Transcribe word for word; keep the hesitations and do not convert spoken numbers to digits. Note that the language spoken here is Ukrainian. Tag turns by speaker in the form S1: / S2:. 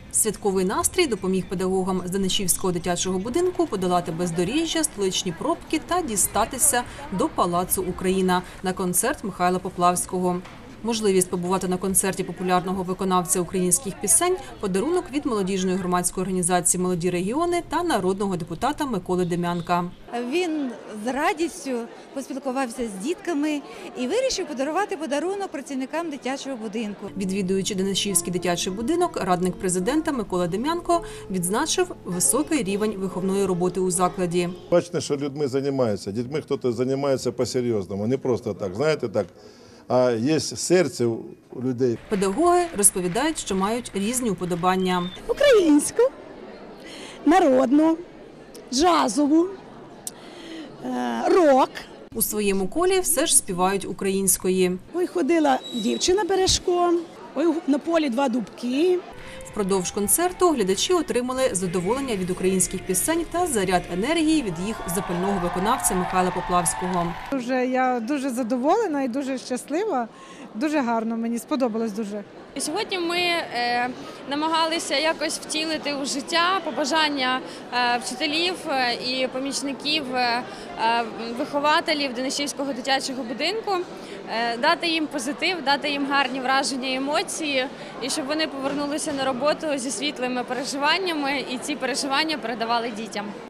S1: Святковий настрій допоміг педагогам з Данишівського дитячого будинку подолати бездоріжжя, столичні пробки та дістатися до Палацу «Україна» на концерт Михайла Поплавського. Можливість побувати на концерті популярного виконавця українських пісень – подарунок від молодіжної громадської організації «Молоді регіони» та народного депутата Миколи Дем'янка.
S2: Він з радістю поспілкувався з дітками і вирішив подарувати подарунок працівникам дитячого будинку.
S1: Відвідуючи Данишівський дитячий будинок, радник президента Микола Дем'янко відзначив високий рівень виховної роботи у закладі.
S3: Бачите, що людьми займаються. Дітьми хтось займається по-серйозному, не просто так, знаєте, так. А є серце у людей.
S1: Педагоги розповідають, що мають різні уподобання.
S4: Українську, народну, джазову, рок.
S1: У своєму колі все ж співають української.
S4: Ой, ходила дівчина бережком, ой, на полі два дубки.
S1: Впродовж концерту глядачі отримали задоволення від українських пісень та заряд енергії від їх запального виконавця Михайла Поплавського.
S5: Дуже, я дуже задоволена і дуже щаслива. Дуже гарно, мені сподобалось дуже.
S6: Сьогодні ми е, намагалися якось втілити у життя побажання е, вчителів і помічників, е, вихователів Данишівського дитячого будинку, е, дати їм позитив, дати їм гарні враження і емоції, і щоб вони повернулися на роботу зі світлими переживаннями і ці переживання передавали дітям.